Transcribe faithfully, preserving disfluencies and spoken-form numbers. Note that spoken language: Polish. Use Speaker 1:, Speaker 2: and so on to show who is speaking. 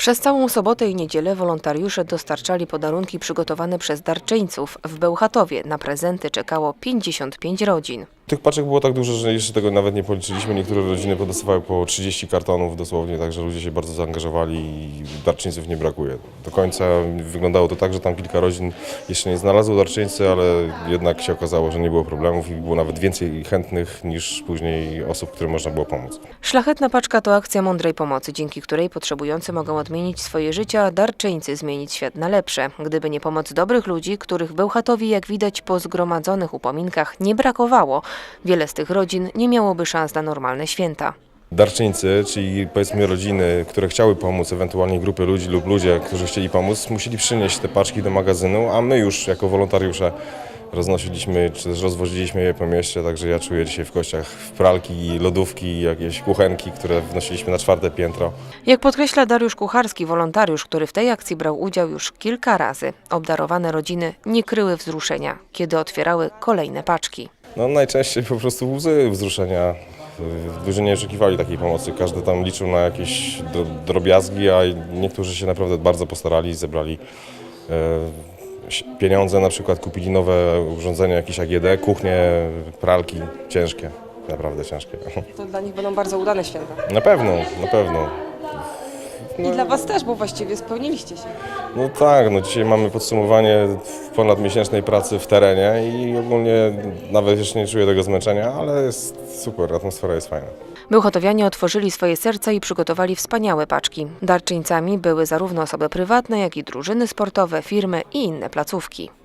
Speaker 1: Przez całą sobotę i niedzielę wolontariusze dostarczali podarunki przygotowane przez darczyńców. W Bełchatowie na prezenty czekało pięćdziesiąt pięć rodzin.
Speaker 2: Tych paczek było tak dużo, że jeszcze tego nawet nie policzyliśmy. Niektóre rodziny podostawały po trzydzieści kartonów dosłownie, także ludzie się bardzo zaangażowali i darczyńców nie brakuje. Do końca wyglądało to tak, że tam kilka rodzin jeszcze nie znalazło darczyńcy, ale jednak się okazało, że nie było problemów i było nawet więcej chętnych niż później osób, którym można było pomóc.
Speaker 1: Szlachetna paczka to akcja mądrej pomocy, dzięki której potrzebujący mogą odmienić swoje życie, a darczyńcy zmienić świat na lepsze. Gdyby nie pomoc dobrych ludzi, których w Bełchatowie, jak widać po zgromadzonych upominkach, nie brakowało, wiele z tych rodzin nie miałoby szans na normalne święta.
Speaker 2: Darczyńcy, czyli powiedzmy rodziny, które chciały pomóc, ewentualnie grupy ludzi lub ludzie, którzy chcieli pomóc, musieli przynieść te paczki do magazynu, a my już jako wolontariusze roznosiliśmy, czy też rozwoziliśmy je po mieście, także ja czuję dzisiaj w kościach pralki, lodówki, jakieś kuchenki, które wnosiliśmy na czwarte piętro.
Speaker 1: Jak podkreśla Dariusz Kucharski, wolontariusz, który w tej akcji brał udział już kilka razy, obdarowane rodziny nie kryły wzruszenia, kiedy otwierały kolejne paczki.
Speaker 2: No najczęściej po prostu łzy wzruszenia. Ludzie nie oczekiwali takiej pomocy, każdy tam liczył na jakieś drobiazgi, a niektórzy się naprawdę bardzo postarali i zebrali e, pieniądze, na przykład kupili nowe urządzenia, jakieś A G D, kuchnie, pralki, ciężkie, naprawdę ciężkie.
Speaker 3: To dla nich będą bardzo udane święta.
Speaker 2: Na pewno, na pewno.
Speaker 3: I dla Was też, bo właściwie spełniliście się.
Speaker 2: No tak, no dzisiaj mamy podsumowanie ponadmiesięcznej pracy w terenie i ogólnie nawet jeszcze nie czuję tego zmęczenia, ale jest super, atmosfera jest fajna.
Speaker 1: Bełchatowianie otworzyli swoje serca i przygotowali wspaniałe paczki. Darczyńcami były zarówno osoby prywatne, jak i drużyny sportowe, firmy i inne placówki.